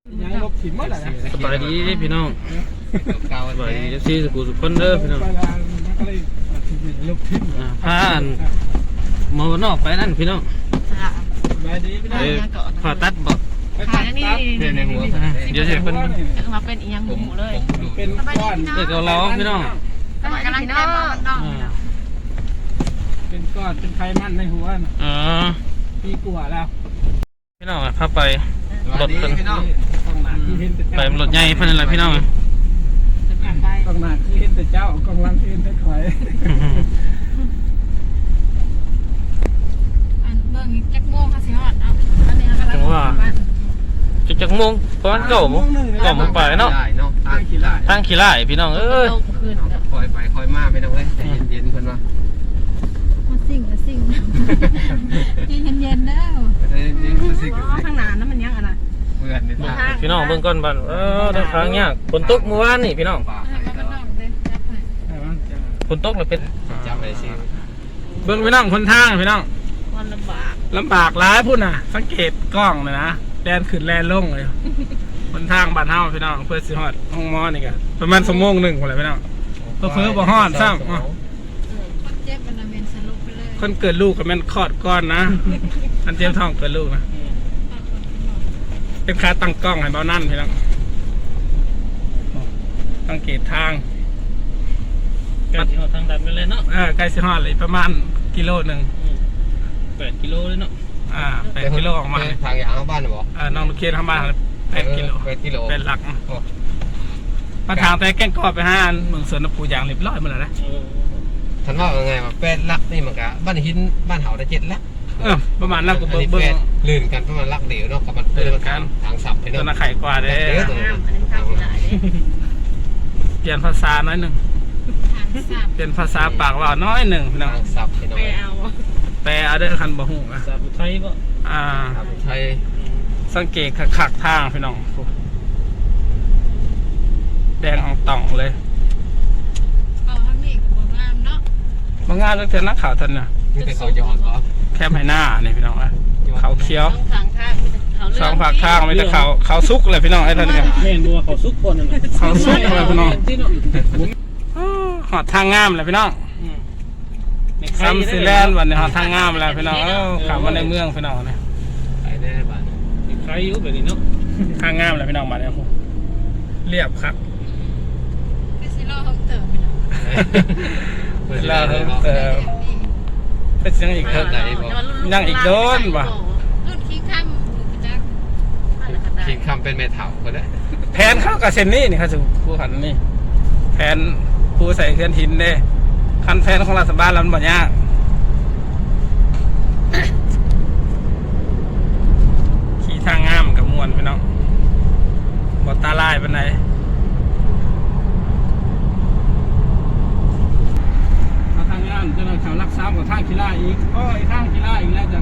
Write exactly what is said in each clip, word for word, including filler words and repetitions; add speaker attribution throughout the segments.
Speaker 1: ยังลบถิ่นหมดเลยนะ
Speaker 2: สบายดีพี่น้องสบายดีซีสกูสุขคนเด้อพี่น้อง
Speaker 1: ลบถิ่น
Speaker 2: ผ่านมานอกไปนั่นพี่น้อง
Speaker 1: สบายดีพี่น้อง
Speaker 2: ผ่าตัดบอก
Speaker 3: ขาอย่างนี้
Speaker 2: ในหัวเดี๋ยวจะเป็น
Speaker 3: มาเป็นอีหยังหมูเลย
Speaker 1: เป็นก้อน
Speaker 2: เด็กเราเราพี่น้อง
Speaker 3: กำลังกำลังแก้มมันดอง
Speaker 1: เป็นก้อนเป็นไขมันในหัว
Speaker 2: อ๋อ
Speaker 1: ปีกว่าแล้ว
Speaker 2: พี่น้องพาไปรถเป็น
Speaker 1: ต้องหนาที่เห็นแต่
Speaker 2: ไป
Speaker 1: เจ้าร
Speaker 2: ถใหญ่เพิ่นอะไรพี่น้อง
Speaker 1: ต้องหนาที่เห็นแต่เจ้ากองลังที่เห็นแต่ข่อย
Speaker 3: อันเบิ่งจักโมงค่ะสิฮอดเอาอันนี้กำลัง
Speaker 2: จังว่าจักจักโมงประมาณเก้าโมงเก้าโมงไปเนาะ
Speaker 4: เนาะทางขี้ไล่
Speaker 2: ทางขี้ไล่พี่น้องเอ้ย
Speaker 3: คืน
Speaker 4: คอยไปคอยมาไม่ต้องเลยใจเย็นๆเพิ่นว่า
Speaker 3: มาสิ่งมาสิ่งเย็นเย็นๆแล้ว
Speaker 4: ใจเย็นๆคือสิคือสิ
Speaker 3: ข้างหน้านั้นมันยังอะไร
Speaker 4: เพื่อนนี่ทาง
Speaker 2: พี่น้องเบิ่งก่อนบัดเออได้ทางยากฝนตกเมื่อวานนี่พี่น้อง
Speaker 4: ป่า
Speaker 3: ให้มันดองเลยจับให้
Speaker 2: ฝนตกแล้วเป็น
Speaker 4: จำไปสิ
Speaker 1: เบื้องพี่น้องคนทางพี่น้อง
Speaker 3: มันลำบาก
Speaker 1: ลำบากร้ายพุ่นน่ะสังเกตกล้องเลยนะแลนขึ้นแลนลงเลยคนทางบ้านเฮาพี่น้องเพื่อสิฮอดห้องหมอนี่ก็ประมาณชั่วโมงหนึ่งคนเลยพี่น้องเพื่อเพื่อบ่ฮอดซ้ำ
Speaker 3: คนเจ็บมันเป็นสรุปไปเลย
Speaker 1: คนเกิดลูกก็แม่นคลอดก้อนนะอันเจ็บท้องเกิดลูกนะเป็นขาตั้งกล้องให้เบานั่นพี่น้องสังเกตทาง
Speaker 2: ใกล้สิฮอดทางดันไปเลยเนาะ
Speaker 1: เออใกล้สิฮอดเลยประมาณกิโลหนึ่ง
Speaker 2: แปดกิโลเลยเนาะ
Speaker 1: อ่าแปดกิโลออกมา
Speaker 4: ทางยางบ้านบ่
Speaker 1: เออน้องลูกเคียนทำบ้านแปดกิโล
Speaker 4: แปดกิโล
Speaker 1: เป็นหลักมาทางแต่แก้งกอไปห้าเมืองสวนปูยางเรียบร้อยหมดแล้วนะ
Speaker 4: ท่านว่าไงว่าแปดลักนี่มันก็บ้านหินบ้านเฮาได้เจ็ดลัก
Speaker 1: เออประมาณนั้นก็
Speaker 4: อัน
Speaker 1: เบิ้ง
Speaker 4: นี้
Speaker 1: เบิ้
Speaker 4: แป
Speaker 1: ง
Speaker 4: ดลื่นกันประมาณลักเดียวเนาะกับมันเลื่นกันทางสับไป
Speaker 1: ตัว
Speaker 4: เนาะ
Speaker 1: น่ะไข่กว่าเด้
Speaker 3: อันนี้ทางที่ไหน
Speaker 1: เปลี่ยนภาษาน้อยหนึ่ง
Speaker 3: ทางสับ
Speaker 1: เปลี่ยนภาษาปากว่าน้อยหนึ่งพี่น้อง
Speaker 4: ทางสับไปเนาะ
Speaker 3: ไปเอา
Speaker 1: แปลเอาเด้อคันบ่ฮู้อะ
Speaker 2: สาบุไทยบ่
Speaker 1: อ่า
Speaker 4: ไทย
Speaker 1: สังเกตคักๆทางพี่น้องแดงอองต่องเลย
Speaker 3: เอาทางนี้กับบ่งามเนาะ
Speaker 1: บางงานเลือกเทนนักข่าวทันน่ะ
Speaker 4: นี่เป็นเขาย้อนเหรอ
Speaker 1: แคบให้หน้านี่พี่น้องอะเขาเขียว
Speaker 3: ต้องทางข้างเขาเลื
Speaker 1: สองผักข้างไม่แต่เขาเขาซุกเลยพี่น้องไอ้ท่านเนี่ย
Speaker 2: แม่นบัวเขาซุกคนนั่นน่ะ
Speaker 1: เขาซุกเลยพี่น้องหอดทางงามเลยพี่น้องซัมซีแลนด์วันนี้หอดทางงามแล้วพี่น้องเออขับมาในเมืองพี่น้องเนี่ย
Speaker 4: ไปได้บ้าน
Speaker 2: ใครอยู่แบบนี้เนาะ
Speaker 1: ทางงามเลยพี่น้องมาเนี่ยเรียบครับ
Speaker 3: คือสิโลห้องเติมไปเนาะ
Speaker 4: เวลาเรา
Speaker 1: เออเป็นยังอีกเถอะยังอีกโดนว่ะ
Speaker 3: รุ่นขี้ข้ามจัก
Speaker 4: คิงคำเป็นเมทัลก็ได้
Speaker 1: แผนเข้ากับเซนนี่นี่ครับสู่ผู้ขันนี่แผนผู้ใส่เครื่องหินเด้คันแผนของรัฐบาลแล้วมันบ่ยากขี่ทางงามกับมวนพี่น้องบ่ตาลายปานใดเอาทางงามจะนำเขารักษากับทางกีฬาอีกโอ้ยทางกีฬาอีกแล้วจัง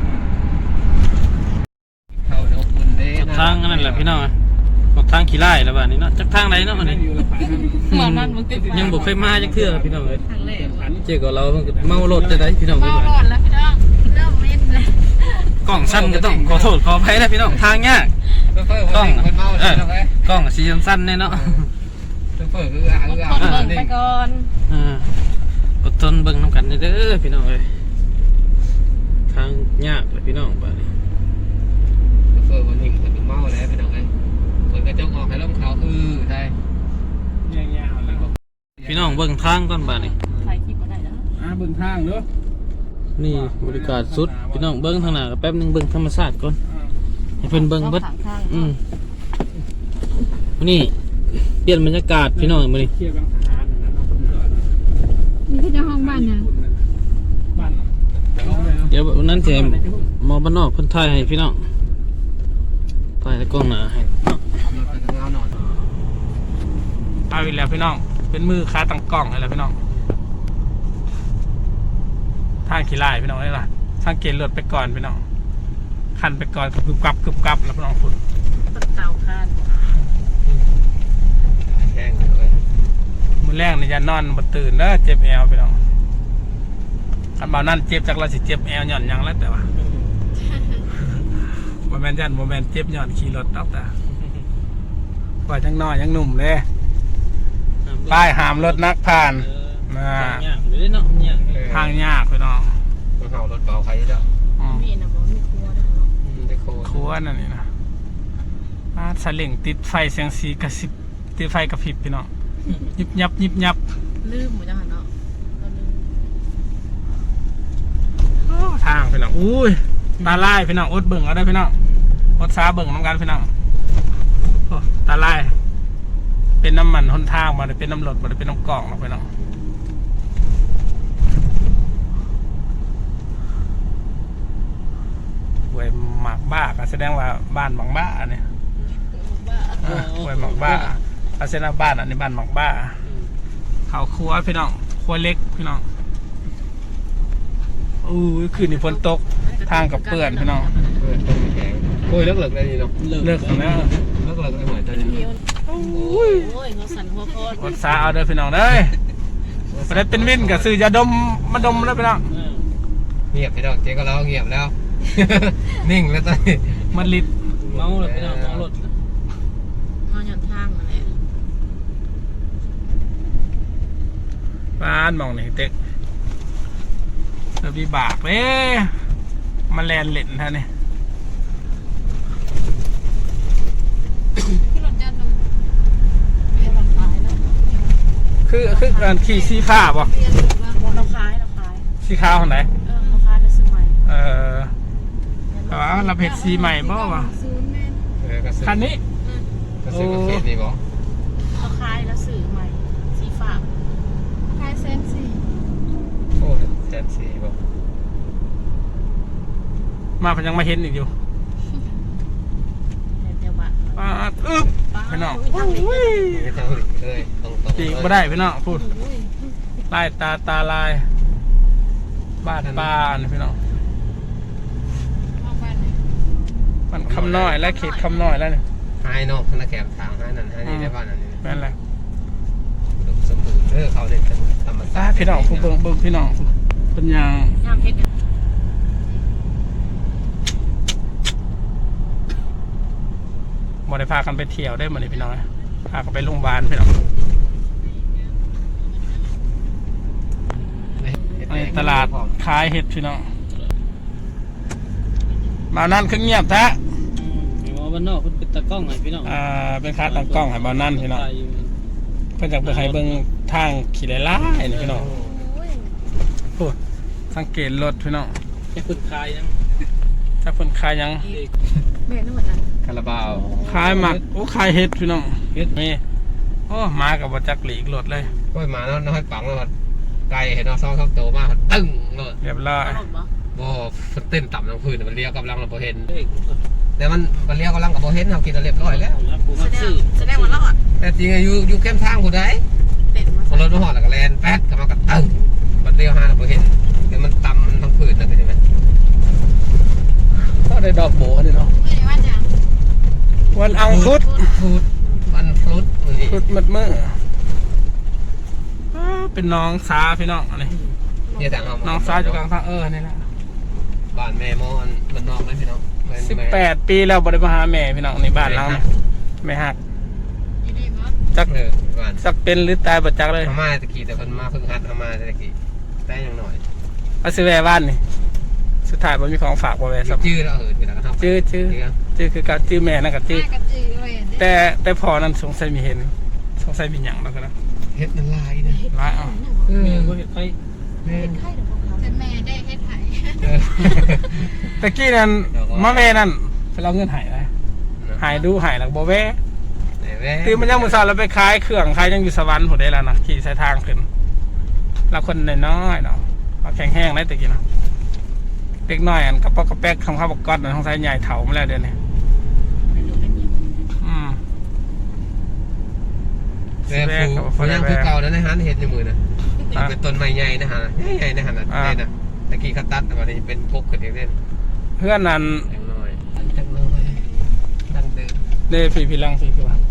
Speaker 4: เขาเดี๋ยวคุณเด้
Speaker 2: ทางนั่นแหละพี่น้องหมดทางขี้ไล่แล้วบ้านนี้เนาะจักทางไหนเนาะอันนี้
Speaker 3: หมอนั่นมึงติด
Speaker 2: ยังบ่เคยมาจักเทื่อพี่น้องเอ้ย
Speaker 3: ทางเล่
Speaker 2: เจ๊กับเราเพิ่นก็เมารถจะได้พี่น้อง
Speaker 3: เมา
Speaker 2: เอ้ย
Speaker 3: ก่อนแล้วพี่น้องเริ่มเม็ดเลย
Speaker 2: กล้องสั้นก็ต้องขอโทษขออภัยนะพี่น้องทางยาก
Speaker 4: เฟิร์กล้องคนเมาเลยนะเว้ย
Speaker 2: กล้องสีสั้นๆเนี่ยเนาะ
Speaker 4: เฟิร์กคืออ่ะคืออ่ะ
Speaker 3: คนเบิ่งไปก่อน
Speaker 2: อ่าอดทนเบิ่งนำกันเด้อพี่น้องเอ้ยทางยากเลยพี่น้องบ้านนี้
Speaker 4: เฟิร์กวันหิ่งคนเมาแล้วพี่น้องไงคนกระจกออกให้ล้มเขาอือใช่
Speaker 1: แย่ๆแล้ว
Speaker 2: พี่น้องเบิ่งทางก่อนบ้านนี้
Speaker 3: ถ่ายคลิปมาได้แล้ว
Speaker 1: อ่าเบิ่งทางเด้อ
Speaker 2: นี่บริการสุดพี่น้องเบิ่งทางหน้าก็แป๊บหนึงเบิ่งธรรมชาติก่อนให้เพิ่นเบิ่งเบิด
Speaker 3: ข้าง
Speaker 2: อืมมื้อนี้เปลี่ยนบรรยากาศพี่น้องมื้อนี้
Speaker 1: เที่ยวบางทหารนะเนาะ
Speaker 3: นี่คือเจ้าห้องบ้านเนี่ย
Speaker 1: บ้าน
Speaker 2: เดี๋ยววันนั้นจะหมอบ้านนอกเพิ่นถ่ายให้พี่น้องถ่ายแต่กล้องหน้าให้เนาะ
Speaker 4: มันเป็นเงาหนอน
Speaker 1: เอาอีกแล้วพี่น้องเป็นมือค้าตั้งกล้องให้แล้วพี่น้องทางขี้ไล่พี่น้องนี่ล่ะสังเกตรถไปก่อนพี่น้องคันไปก่อนกึบกับกึบกับแล้วพี่น้องคุณ
Speaker 3: ต้นเต่าคาน
Speaker 4: แห้งเลย
Speaker 1: มือแรกนี่จะนอนบ่ตื่นเด้อเจ็บแอวพี่น้องคันบ่านั่นเจ็บจากเราสิเจ็บแอวหย่อนหยังแล้วแต่ว่า โมเมนต์ยันโมเมนต์เจ็บหย่อนขี่รถตอกแต่ว่ายังน้อยยังหนุ่มเลยป้ายห้ามรถนักผ่านนะ
Speaker 2: ยากอยู่ด้วยเนาะยาก
Speaker 1: ทางยากพี่น้อง
Speaker 4: มันเห่ารถเบาใครเจ้า
Speaker 1: อืม
Speaker 3: มีนะบอกมีครัวด้วยเนาะ
Speaker 4: อืมได้โค
Speaker 1: ครัวนั่นนี่นะอ่าสลิงติดไฟเสียงสีกระสิบติดไฟกระพริบพี่น้องยิบยับยิบยับ
Speaker 3: ลืมหมดจังหันเนาะเราลืม
Speaker 1: โอ้ทางพี่น้องอุ้ยตาลายพี่น้องอดเบิ่งเอาได้พี่น้องอดซาเบิ่งน้ำกันพี่น้องโอ้ตาลายเป็นน้ำมันหนทางมาเลยเป็นน้ำรถมาเลยเป็นน้ำกล่องมาพี่น้องหวยหมักบ้าก็แสดงว่าบ้านหมักบ้าเนี่ย
Speaker 3: ว่า
Speaker 1: อ่าหวยหมักบ้าอาเซนาบ้านอันนี้บ้านหมักบ้าเขาครัวพี่น้องครัวเล็กพี่น้องอู้ยคืนนี้ฝนตกทางกับเปื้อนพี่น้อง
Speaker 4: เปิดต้นแข็งโอ้ยเลิกเลิกได้นี่เนาะ
Speaker 1: เลิกแล้ว
Speaker 4: เลิกเลิกได้เหมือนจะนี่
Speaker 3: เดียว
Speaker 1: โอ้ย
Speaker 3: โอ้ยเขาสั่นหัวโคตร
Speaker 1: อดซาเอาเด้อพี่น้องเด้อไปได้เป็นวินกับซื้อยาดมมาดมแล้วพี่น้อง
Speaker 4: เงียบไปดอกเจ๊ก็แล้วเงียบแล้ว นิ่งแล้วตอนนี้
Speaker 1: มันลิด
Speaker 2: เมาเลยพี่น้องเมารถ
Speaker 3: นอนหย่อนทางนั่นแหละ
Speaker 1: บ้านมองนี่เต็กเราบีบากเลยมาแลนเล่นท่านี่
Speaker 3: ที่รถจันทร์ดูเรียนเราขายแล้ว
Speaker 1: คือคือการขี่สีฟ้าป่ะ
Speaker 3: เรียนอยู่ว่าเราขายเราขาย
Speaker 1: สีขาวคนไหน
Speaker 3: เออเราขายแล้วซื้อใหม่
Speaker 1: เออแต่ว่าเราเผ็ดสีใหม่บ่วะ
Speaker 3: ซื้อแม่
Speaker 4: เออก็ซื้อ
Speaker 1: คันนี้
Speaker 4: ก็ซื้อประเภทนี้บอก
Speaker 3: เราขายแล้วซื้อใหม่สีฟ้าขายเซนสี่
Speaker 4: โอ้แสนสี่บอก
Speaker 1: มาเพิ่นยังมาเห็นอีกอยู่
Speaker 3: เดี๋ยวบ้าน
Speaker 1: ป้าดอึ๊บพี่น้อง
Speaker 3: ทางนี้
Speaker 1: อุ้ย
Speaker 4: ไม่ต้องหลีกเลยตรงตรง
Speaker 1: จีกบ่ได้พี่น้องพูดลายตาตาลายบ้านปลาอันนี้พี่น้อง
Speaker 3: เข้าบ้านไหน
Speaker 1: มันคำน้อยและเขตคำน้อยแล้วเนี่ย
Speaker 4: ให้นอกธนาแคมทางให้นั่นให้นี่ได้บ้านนั่นนี่
Speaker 1: นั่นแหละ
Speaker 4: สมบูรณ์เออเขาเด็ดกันธรรม
Speaker 1: อ่า
Speaker 4: ชาติ
Speaker 1: พี่น้องผู้เบิ่งเบิ่งพี่น้องผู้เป็นยาง
Speaker 3: ยามเฮ็ดเนี่ย
Speaker 1: บ่ได้พากันไปเที่ยวได้หมดเลยพี่น้องพากันไปโรงพยาบาลพี่น้องในตลาดขายเห็ดพี่น้องมานั่นคือเงียบแท้
Speaker 2: หมอบ้านนอกเพิ่นเป็นตากล้องให้พี่น้อง
Speaker 1: อ่าเป็นคาตั้งกล้องให้มานั่นพี่น้องเพิ่นจากไปให้เบิ่งทางขี่ไล่ไล่นี่พี่น้อง
Speaker 3: โอ้ย
Speaker 1: โอ้สังเกตรถพี่น้อง
Speaker 2: จะคุณคายยัง
Speaker 1: ถ้าเพิ่นขายหยัง
Speaker 3: แม่นั่นเหมือนกัน
Speaker 4: คาราบาว
Speaker 1: ขายหมักโอ้ขายเห็ดพี่น้องเห็ดนี่โอ้มากับบ่จักหลีกรถเลย
Speaker 4: ก็มาแล้วน้อยปังแล้วไก่เห็นเอาซองเข้าโตมากตึ้งเลย
Speaker 1: เรียบร้อย
Speaker 3: รถบ่
Speaker 4: บ่เต้นต่ำลงพื้นมันเลี้ยวกำลังเราบ่เห็น
Speaker 2: เฮ้ย
Speaker 4: แต่มันมันเลี้ยวกำลังกับบ่เห็นเรากินเรียบร้อยแล้ว
Speaker 2: กู
Speaker 3: แส
Speaker 2: มัก
Speaker 3: ด
Speaker 2: ซื้
Speaker 3: ง
Speaker 2: อ
Speaker 3: แสดงว่าเราอ่ะ
Speaker 4: แต่จริงอยู่อยู่เข้มทางผู้ใด
Speaker 3: เต้นมา
Speaker 4: พอรถมาหอดแล้วก็แลนแป๊ดกำลังกับตึ้งมันเลี้ยวหาเราบ่เห็นแต่มันต่ำมันทั้งพื้นนั่นใช่ไหม
Speaker 1: ก็ได้ดอกโบนี่เนาะ
Speaker 3: ไม่ได้ว่าจัง
Speaker 1: วันอังคุด
Speaker 4: ฟรุตมันฟรุตมันนี่
Speaker 1: คุดมัดมืออ้าวเป็นน้องสาพี่น้องอันนี้
Speaker 4: เนี่ยแต่เอา
Speaker 1: น้องสาอยู่กลางทางเออนี่แหละ
Speaker 4: บ้านแม่มอนมันนอกเลยพี่น้อง
Speaker 1: สิบแปดปีแล้วบริมาหาแม่พี่น้องในบ้านเราเนี่ยไม่หัก
Speaker 3: อยู่ดีมั้ง
Speaker 1: จัก
Speaker 4: เออบ้าน
Speaker 1: จักเป็นหรือตายบ่จักเลย
Speaker 4: อาม่าตะกี้แต่เพิ่นมาเพิ่งหัดอาม่าตะกี้ได้ยังหน่อย
Speaker 1: เอาซื้อแวะบ้านนี่สุดท้ายบ่มีของฝากบ่แวะสัก
Speaker 4: ชื่อแล้วเออคือแล้วก็ทำ
Speaker 1: ชื่อชื่อชื่อคือกับชื่อแม่นั่นกับชื่อ
Speaker 3: แม่กับจือเลยอ่ะ
Speaker 1: แต่แต่พอนั้นสงสัยมีเห็นสงสัยมีหยังแล้วก็นะ
Speaker 4: เฮ็ดมันลายนะ
Speaker 1: ร้ายเอา
Speaker 4: เออ
Speaker 2: แม่บ่เห็นไฟ
Speaker 4: แม่
Speaker 3: เป็นไข้เดี๋ยวพวกเขาแต่แม่ได้เฮ็ดไห้
Speaker 4: เออ
Speaker 1: ตะกี้นั้นมาแม่นั่นไปเอาเงินใหายเลยหายดูหายแล้วบ่แวะ
Speaker 4: แม่
Speaker 1: คือมันยังมือสาวเราไปขายเครื่องขายยังอยู่สวรรค์ผมได้แล้วนะขี่สายทางขึ้นเราคนน้อยๆเนาะเอาแข็งแห้งได้ตะกี้เนาะเด็กน้อยอันกระป๋อกกระแป๊กคำข้าวบกก๊อตของสายใหญ่เถามาแล้วเดี๋ยวนี้อืม
Speaker 4: แม่ผูเขายังคือเก่านะในหันเห็ดในมือนะเป็นต้นไม้ใหญ่นะฮะใหญ่นะฮะนะได้นะตะกี้เขาตัดแต่วันนี้เป็นพกกันเองเล่น
Speaker 1: เพื่อนนั้น
Speaker 4: จังน้อยจังน้อยดังเดิม
Speaker 1: เด้พี่พี่ลังสิคือว่า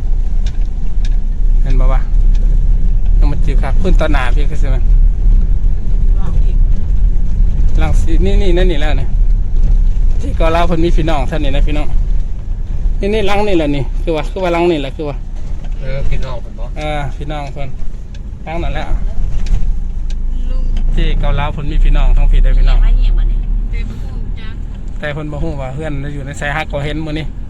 Speaker 1: เห็นบ่วะต้องมาจีบครับพื้นตอนหนาพี่คือใช่ไหมลังสีนี่นี่นั่นนี่แล้วเนี่ยที่ก็เล่าเพิ่นมีพี่น้องท่านนี่นะพี่น้องนี่นี่ลังนี่แหละนี่คือว่าคือว่าลังนี่แหละคือว่า
Speaker 4: เออพี่น้องผมบอก
Speaker 1: เออพี่น้องเพิ่นลังนั่นแหละ
Speaker 3: ลุง
Speaker 1: ที่เกาเหลาเพิ่นมีพี่น้องทั้งพี่ได้พี่น้อง
Speaker 3: อะไรอย่างวะเนี่ยเต็มพูดจ้า
Speaker 1: แต่เพิ่นบ่ฮู้ว่าเพื่อนอยู่ในสายฮักก็เห็นมื้อนี้